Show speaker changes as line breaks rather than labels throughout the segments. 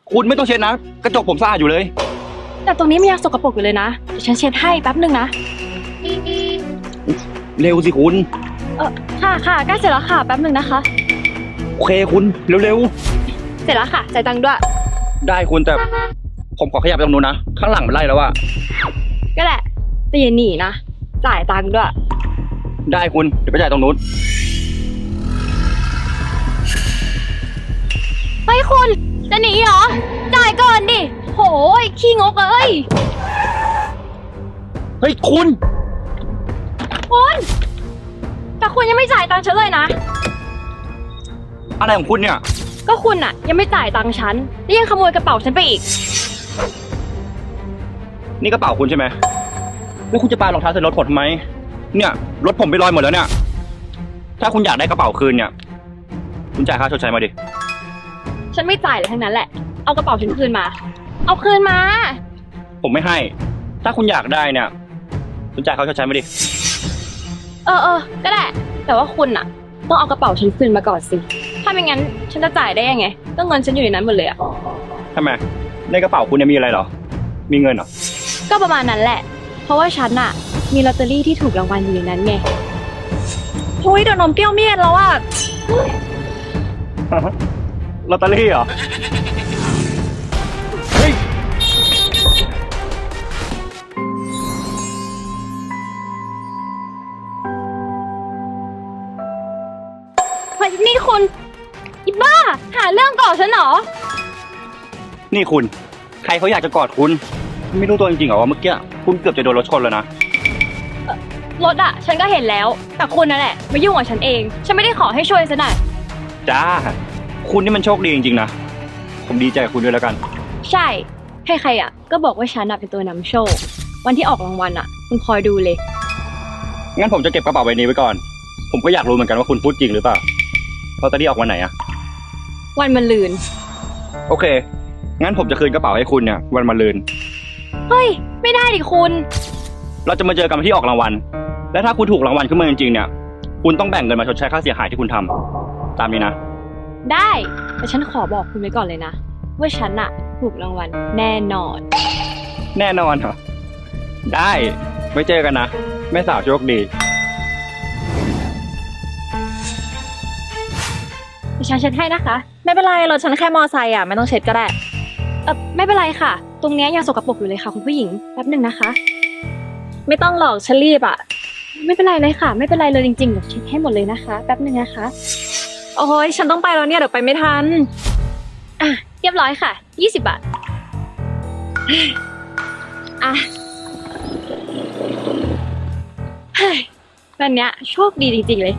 คุณไม่ต้องเช็ดนะกระจกผมสะอาดอยู่เลย
แต่ตรงนี้มันยังสกปรกอยู่เลยนะเดี๋ยวฉันเช็ดให้แป๊บนึงนะ
เร็วสิคุณ
ค่ะใกล้เสร็จแล้วค่ะแป๊บนึงนะคะ
โอเคคุณเร็ว
เสร็จแล้วค่ะจ่ายตังค์ด้วย
ๆได้คุณแต่ผมขอขยับไปตรงนู้นนะข้างหลังมันไล่แล้วอะ
ก็แหละแต่อย่าหนีนะจ่ายตังค์ด้วย
ได้คุณเดี๋ยวไปจ่ายตรงนู้น
เฮ้ยคุณจะหนีเหรอจ่ายก่อนดิโหยขี้งกเอ้ย
เฮ้ยคุณ
คุณแต่คุณยังไม่จ่ายตังค์ฉันเลยนะ
อะไรของคุณเนี่ย
ก็คุณอะยังไม่จ่ายตังค์ฉันแล้วยังขโมยกระเป๋าฉันไปอีก
นี่กระเป๋าคุณใช่ไหมแล้วคุณจะปารองเท้าใส่รถผมทำไมเนี่ยรถผมไปลอยหมดแล้วเนี่ยถ้าคุณอยากได้กระเป๋าคืนเนี่ยคุณจ่ายค่าชดใช้มาดิ
ฉันไม่จ่ายเลยทั้งนั้นแหละเอากระเป๋าฉันคืนมา เอาคืนมา
ผมไม่ให้ ถ้าคุณอยากได้เนี่ยคุณจ่ายค่าชดใช้มาดิ
ก็ได้แต่ว่าคุณอะต้องเอากระเป๋าฉันคืนมาก่อนสิถ้าไม่งั้นฉันจะจ่ายได้ยังไงก็เงินฉันอยู่ในนั้นหมดเลยอะ
ทำไมในกระเป๋าคุณเนี่ยมีอะไรเหรอมีเงินเหรอ
ก็ประมาณนั้นแหละ เพราะว่าฉันอะมีลอตเตอรี่ที่ถูกรางวัลอยู่ในนั้นไงโอ้ยเดี๋ยวนมเปรี้ยวเมียนแล้วอะ
ลอตเตอรี่เหรอเฮ้ย
เฮ้ยนี่คุณอีบ้าหาเรื่องก่อฉันเหรอ
นี่คุณใครเขาอยากจะกอดคุณไม่รู้ตัวจริงๆเหรอว่าเมื่อกี้คุณเกือบจะโดนรถชนแล้วนะ
รถอะฉันก็เห็นแล้วแต่คุณนั่นแหละมายุ่งกับฉันเองฉันไม่ได้ขอให้ช่วยซะหน่อย
จ้าคุณนี่มันโชคดีจริงๆนะผมดีใจกับคุณด้วยแล้วกัน
ใช่ใครๆอะก็บอกว่าฉันอะเป็นตัวนำโชควันที่ออกรางวัลอะคุณคอยดูเลย
งั้นผมจะเก็บกระเป๋าใบนี้ไว้ก่อนผมก็อยากรู้เหมือนกันว่าคุณพูดจริงหรือเปล่าลอตเตอรี่ออกวันไหนอะ
วันมะรืน
โอเคงั้นผมจะคืนกระเป๋าให้คุณเนี่ยวันมะรืน
เฮ้ยไม่ได้ดิคุณ
เราจะมาเจอกันวันที่ออกรางวัลและถ้าคุณถูกรางวัลขึ้นมาจริงๆเนี่ยคุณต้องแบ่งเงินมาชดใช้ค่าเสียหายที่คุณทำตามนี้นะ
ได้แต่ฉันขอบอกคุณไว้ก่อนเลยนะว่าฉันอะถูกรางวัลแน่นอน
แน่นอนเหรอได้ไว้เจอกันนะแม่สาวโชคดี
ดิฉันเช็ดให้นะคะ
ไม่เป็นไรรถฉันแค่มอไซค์อ่ะไม่ต้องเช็ดก็ได้
ไม่เป็นไรค่ะ ตรงเนี้ยยังสกปรกอยู่เลยค่ะคุณผู้หญิงแป๊บหนึ่งนะคะ
ไม่ต้องหรอกฉันรีบอ่ะ
ไม่เป็นไรเลยค่ะ ไม่เป็นไรเลยจริงๆเดี๋ยวเช็ดให้หมดเลยนะคะแป๊บหนึ่งนะคะ
โอ้ยฉันต้องไปแล้วเนี่ยเดี๋ยวไปไม่ทัน
เรียบร้อยค่ะ20 บาทอ่ะเฮ้ยวันเนี้ยโชคดีจริงๆเลย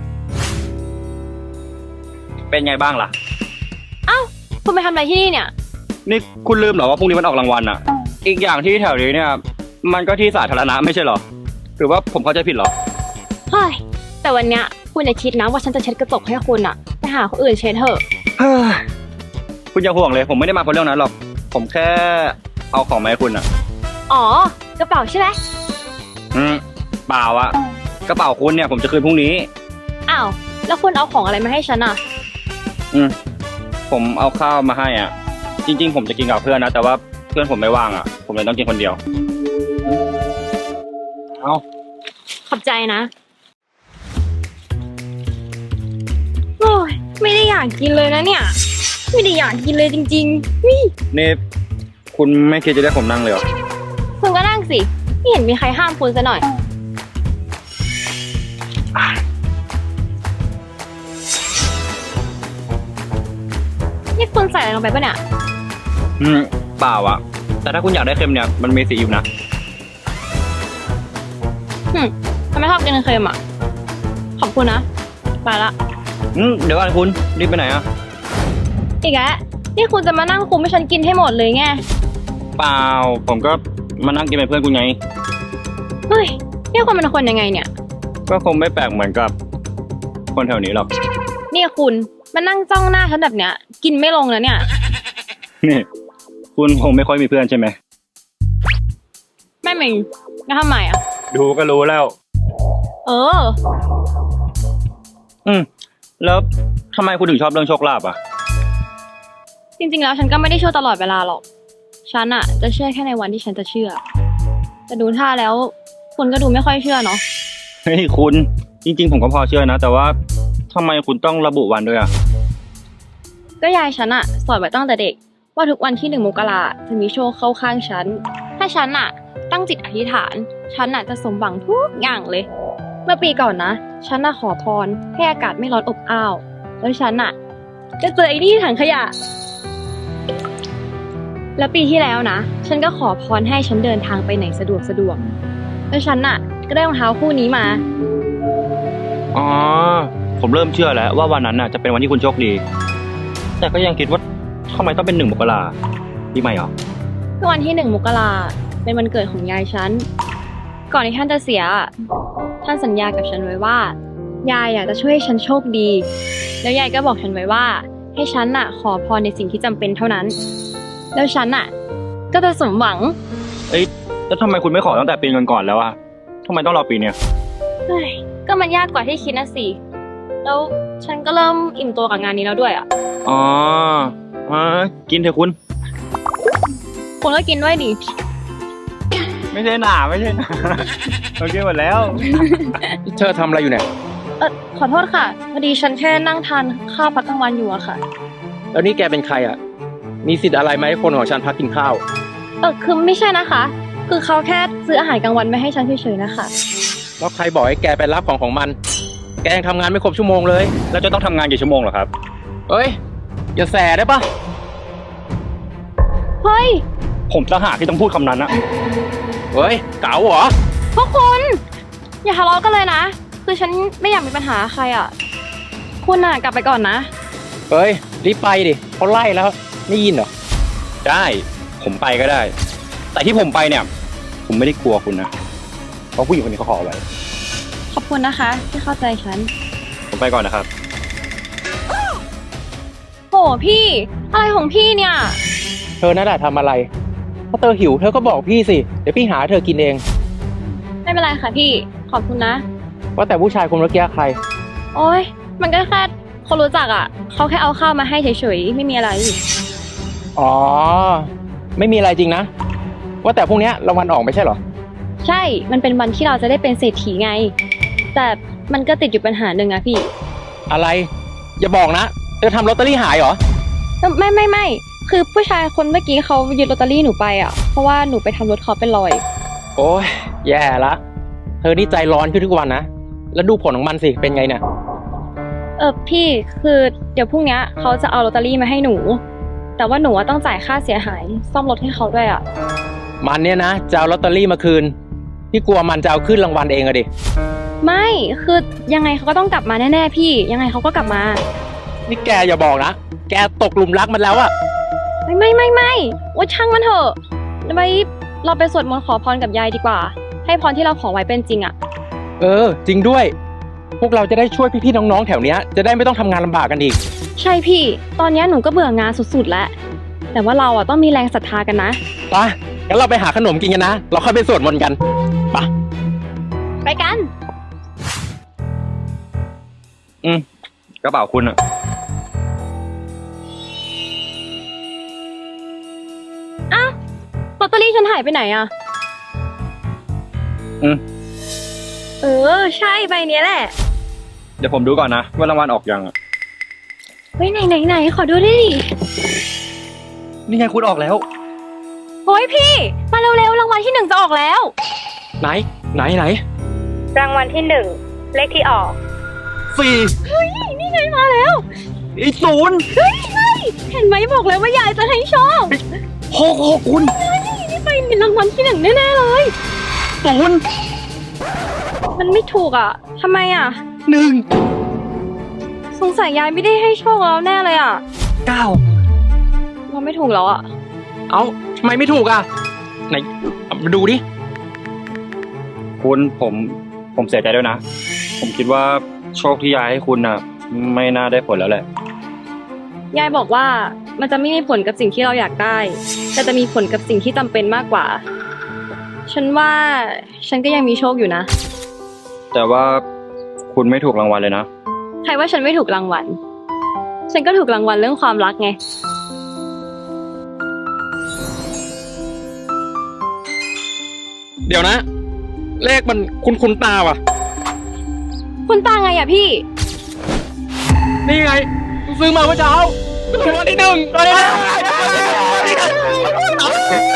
เป็นไงบ้างล่ะ
คุณไปทำอะไรที่นี่เนี่ย
นี่คุณลืมเหรอว่าพรุ่งนี้มันออกรางวัลอ่ะ อีกอย่างที่แถวนี้เนี่ยมันก็ที่สาธารณะไม่ใช่เหรอหรือว่าผมเข้าใจผิดเหรอ
เฮ้ยแต่วันเนี้ยคุณอย่าคิดนะว่าฉันจะเช็ดกระจกให้คุณอะไปหาคนอื่นเช็ดเถอะ
เฮ้ยคุณอย่าห่วงเลยผมไม่ได้มาเพราะเรื่องนั้นหรอกผมแค่เอาของมาให้คุณอ่ะ
อ๋อกระเป๋าใช่ไหม
เปล่าอะกระเป๋าคุณเนี่ยผมจะคืนพรุ่งนี้
อ้าวแล้วคุณเอาของอะไรมาให้ฉันอะ
ผมเอาข้าวมาให้อ่ะจริงๆผมจะกินกับเพื่อนนะแต่ว่าเพื่อนผมไม่ว่างอ่ะผมเลยต้องกินคนเดียวเอา
ขอบใจนะโอ้ยไม่ได้อยากกินเลยนะเนี่ยไม่ได้อยากกินเลยจริงๆนี่
นี่คุณไม่คิดจะได้ผมนั่งเลยเหรอ
คุณก็นั่งสิไม่เห็นมีใครห้ามคุณซะหน่อยนี่คุณใส่อะไรลงไปปะเนี่ย
เปล่าอ่ะแต่ถ้าคุณอยากได้เค็มเนี่ยมันมีสีอยู่นะ
ทำไมชอบกินเค็มอ่ะขอบคุณนะไปละ
เดี๋ยวก่อนคุณรีบไปไหนอ่ะ
อีกแล้วนี่คุณจะมานั่งคุมให้ฉันกินให้หมดเลยไง
เปล่าผมก็มานั่งกินเป็นเพื่อนคุณไง
เฮ้ยนี่คุณเป็นคนยังไงเนี่ย
ก็คงไม่แปลกเหมือนกับคนแถวนี้หรอก
นี่คุณมานั่งจ้องหน้าฉันแบบเนี้ยกินไม่ลงแล้วเนี่ย
นี่คุณคงไม่ค่อยมีเพื่อนใช่ไหม
ไม่มีแล้วทำไมอ่ะ
ดูก็รู้แล้ว
เออ
แล้วทำไมคุณถึงชอบเรื่องโชคลาภอ่ะ
จริงๆแล้วฉันก็ไม่ได้เชื่อตลอดเวลาหรอก ฉันอะจะเชื่อแค่ในวันที่ฉันจะเชื่อ แต่ดูท่าแล้วคุณก็ดูไม่ค่อยเชื่อเนาะ
เฮ้ยคุณ จริงๆผมก็พอเชื่อนะ แต่ว่าทำไมคุณต้องระบุวันด้วยอ่ะ
ก็ยายฉันอะสอนไว้ตั้งแต่เด็ก ว่าทุกวันที่1 มกราจะมีโชคเข้าข้างฉัน ถ้าฉันอะตั้งจิตอธิษฐาน ฉันอะจะสมหวังทุกอย่างเลย เมื่อปีก่อนนะ ฉันอะขอพรให้อากาศไม่ร้อนอบอ้าว แล้วฉันอะจะเจอไอ้นี่ถังขยะ แล้วปีที่แล้วนะ ฉันก็ขอพรให้ฉันเดินทางไปไหนสะดวกแล้วฉันอะก็ได้รองเท้าคู่นี้มา
อ๋อ ผมเริ่มเชื่อแล้วว่าวันนั้นน่ะจะเป็นวันที่คุณโชคดี แต่ก็ยังคิดว่าทำไมต้องเป็น1 มกราปีใหม่เหรอ
ก็วันที่1 มกราเป็นวันเกิดของยายฉัน ก่อนที่ท่านจะเสียอะท่านสัญญากับฉันไว้ว่า ยายอยากจะช่วยให้ฉันโชคดี แล้วยายก็บอกฉันไว้ว่า ให้ฉันน่ะ ขอพรในสิ่งที่จำเป็นเท่านั้น แล้วฉันน่ะ ก็จะสมหวัง
เอ้ยแล้วทำไมคุณไม่ขอตั้งแต่ปีก่อนๆแล้วอะทำไมต้องรอปีเนี้ย
เฮ้ยก็มันยากกว่าที่คิดนะสิ แล้วฉันก็เริ่มอิ่มตัวกับงานนี้แล้วด้วยอ่ะ
อ๋อกินเถอะคุณ
คุณก็กินด้วยดิ
ไม่ใช่หนาไม่ใช่หนา โอเคหมดแล้ว
เธอทำอะไรอยู่เนี่ย
ขอโทษค่ะพอดีฉันแค่นั่งทานข้าวพักกลางวันอยู่อะค่ะ
แล้วนี่แกเป็นใครอ่ะ มีสิทธิ์อะไรไหมให้คนของฉันพักกินข้าว
คือไม่ใช่นะคะ คือเขาแค่ซื้ออาหารกลางวันมาให้ฉันเฉยๆนะคะ
แล้วใครบอกให้แกไปรับของมัน แกยังทำงานไม่ครบชั่วโมงเลย
แล้วจะต้องทำงานกี่ชั่วโมงเหรอครับ
เอ้ย อย่าแสได้ปะ
เฮ้ย
ผมต่างหากที่ต้องพูดคำนั้นอะ
เฮ้ย เก๋าเหรอ
พวกคุณ อย่าทะเลาะกันเลยนะ คือฉันไม่อยากมีปัญหาใครอะคุณน่ะกลับไปก่อนนะ
เฮ้ย รีบไปดิเขาไล่แล้ว ไม่ยินเหรอ
ได้ ผมไปก็ได้ แต่ที่ผมไปเนี่ย ผมไม่ได้กลัวคุณนะ เพราะผู้หญิงคนนี้เขาขอไว้
ขอบคุณนะคะที่เข้าใจฉัน
ผมไปก่อนนะครับ
โหพี่ อะไรของพี่เนี่ย
เธอนั่นแหละทำอะไรถ้าเธอหิวเธอก็บอกพี่สิ เดี๋ยวพี่หาเธอกินเอง
ไม่เป็นไรค่ะพี่ ขอบคุณนะ
ว่าแต่ผู้ชายคนเมื่อกี้ใคร
โอ๊ย มันก็แค่คนรู้จักอ่ะ เขาแค่เอาข้าวมาให้เฉยๆ ไม่มีอะไร
อ๋อ ไม่มีอะไรจริงนะ ว่าแต่พรุ่งนี้รางวัลออกไม่ใช่เหรอ
ใช่ มันเป็นวันที่เราจะได้เป็นเศรษฐีไง แต่มันก็ติดอยู่ปัญหาหนึ่งอะพี่
อะไร อย่าบอกนะ เธอทำลอตเตอรี่หายเหรอ
ไม่ คือผู้ชายคนเมื่อกี้เขายึดลอตเตอรี่หนูไปอ่ะ เพราะว่าหนูไปทำรถเขาเป็นรอย
โอ้ยแย่ละ เธอนี่ใจร้อนขึ้นทุกวันนะ แล้วดูผลของมันสิ เป็นไงเนี่ย
พี่คือเดี๋ยวพรุ่งนี้เขาจะเอาลอตเตอรี่มาให้หนู แต่ว่าหนูอะต้องจ่ายค่าเสียหาย ซ่อมรถให้เขาด้วยอ่ะ
มันเนี่ยนะจะเอาลอตเตอรี่มาคืน พี่กลัวมันจะเอาขึ้นรางวัลเองอะดิ
ไม่คือยังไงเขาก็ต้องกลับมาแน่ๆพี่ ยังไงเขาก็กลับมา
นี่แกอย่าบอกนะ แกตกหลุมรักมันแล้วอะ
ไม่ว่าช่างมันเถอะไว้เราไปสวดมนต์ขอพรกับยายดีกว่า ให้พรที่เราขอไว้เป็นจริงอ่ะ
จริงด้วย พวกเราจะได้ช่วยพี่ๆน้องๆแถวเนี้ยจะได้ไม่ต้องทำงานลำบากกันอีก
ใช่พี่ ตอนนี้หนูก็เบื่องานสุดๆแล้ว แต่ว่าเราอ่ะต้องมีแรงศรัทธากันนะ
ไปงั้นเราไปหาขนมกินกันนะ เราค่อยไปสวดมนต์กันไป
ไปกัน
กระเป๋าคุณอะ
ลอตเตอรี่ฉันหายไปไหนอ่ะ ใช่ใบเนี้ยแหละ
เดี๋ยวผมดูก่อนนะว่ารางวัลออกยังอะ
เฮ้ยไหนขอดูดิ
นี่ไงคุณออกแล้ว
โอ้ยพี่ มาเร็วๆรางวัลที่ 1จะออกแล้ว
ไหน
รางวัลที่ 1 เลขที่ออก
4
นี่ไงมาแล้ว
อีก0
เห็นไหมบอกแล้วว่ายายจะให้โชค
6คุณ
นี่ไปมีรางวัลที่ 1แน่ๆเลย
0
มันไม่ถูกอ่ะทำไมอ่ะ
1
สงสัยยายไม่ได้ให้โชคเราแน่เลยอ่ะ
9
เราไม่ถูกแล้วอ่ะ
เอ้าทำไมไม่ถูกอะไหนเอามาดูดิ
คุณผมเสียใจด้วยนะ ผมคิดว่าโชคที่ยายให้คุณน่ะ ไม่น่าได้ผลแล้วแหละ
ยายบอกว่ามันจะไม่มีผลกับสิ่งที่เราอยากได้ แต่จะมีผลกับสิ่งที่จำเป็นมากกว่า ฉันว่าฉันก็ยังมีโชคอยู่นะ
แต่ว่าคุณไม่ถูกรางวัลเลยนะ
ใครว่าฉันไม่ถูกรางวัล ฉันก็ถูกรางวัลเรื่องความรักไง
ดี๋ยวนะ เลขมันคุ้นตาว่ะ
คุณตาไงอะพี่
นี่ไงซื้อมาเมื่อเช้าถูกรางวัลที่หนึ่ง